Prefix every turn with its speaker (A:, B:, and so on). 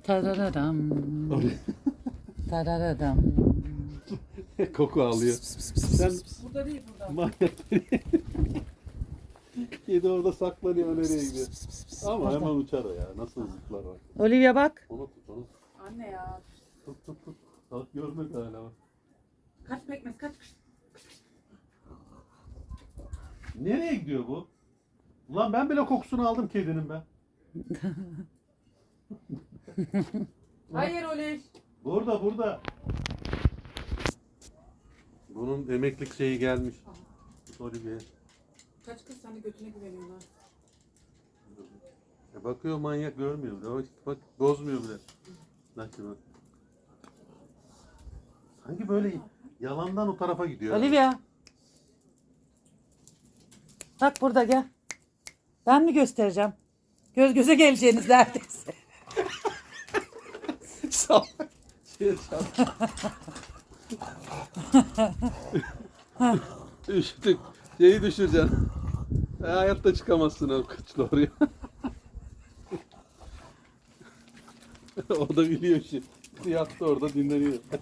A: Tarararam. Tarararam.
B: Koku alıyor. Sen
A: Burada değil burada.
B: manyak. Kedi orada saklanıyor, nereye gidiyor? Ama hemen uçar o ya. Nasıl zıplar bak.
A: Olivia bak.
B: Onu tut, onu tut.
C: Anne ya.
B: Tut. Bak görmek hala bak.
C: Kaç pekmez kaç.
B: Nereye gidiyor bu? Ulan ben bile kokusunu aldım kedinin ben.
C: Hayır Oliş.
B: Burada. Bunun emeklilik şeyi gelmiş. Olivia.
C: Kaç kız sen de götüne güveniyorlar.
B: Bakıyor manyak, görmüyor bile. Bak bozmuyor bile. Bak şimdi. Sanki böyle yalandan o tarafa gidiyor.
A: Olivia. Bak burada gel. Ben mi göstereceğim? Göz göze geleceğiniz neredeyse.
B: Sağ Üşüdük. Şeyi düşüreceksin. Hayatta çıkamazsın o kıçla oraya. O da biliyor şimdi. Yattı orada dinleniyor.